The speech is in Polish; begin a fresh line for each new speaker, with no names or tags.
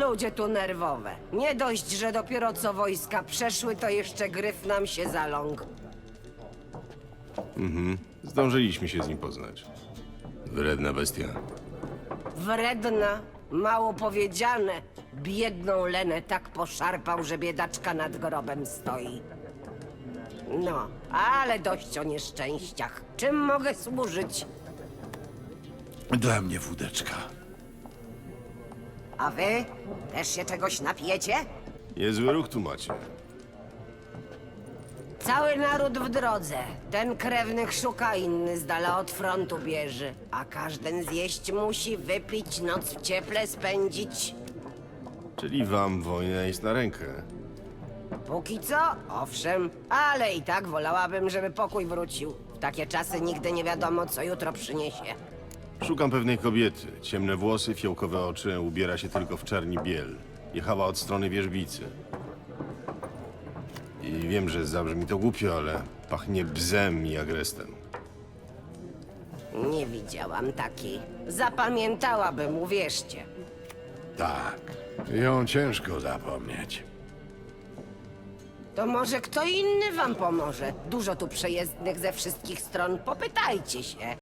ludzie tu nerwowe. Nie dość, że dopiero co wojska przeszły, to jeszcze gryf nam się zaląkł.
Zdążyliśmy się z nim poznać. Wredna bestia.
Wredna, mało powiedziane. Biedną Lenę tak poszarpał, że biedaczka nad grobem stoi. No, ale dość o nieszczęściach. Czym mogę służyć?
Dla mnie wódeczka.
A wy? Też się czegoś napijecie?
Niezły ruch tu macie.
Cały naród w drodze. Ten krewnych szuka, inny z dala od frontu bierze. A każdy zjeść musi, wypić, noc w cieple spędzić.
Czyli wam wojna jest na rękę.
Póki co, owszem, ale i tak wolałabym, żeby pokój wrócił. W takie czasy nigdy nie wiadomo, co jutro przyniesie.
Szukam pewnej kobiety. Ciemne włosy, fiołkowe oczy, ubiera się tylko w czarni biel. Jechała od strony wierzbicy. I wiem, że zabrzmi to głupio, ale pachnie bzem i agrestem.
Nie widziałam takiej. Zapamiętałabym, uwierzcie.
Tak. Ją ciężko zapomnieć.
To może kto inny wam pomoże? Dużo tu przejezdnych ze wszystkich stron, popytajcie się.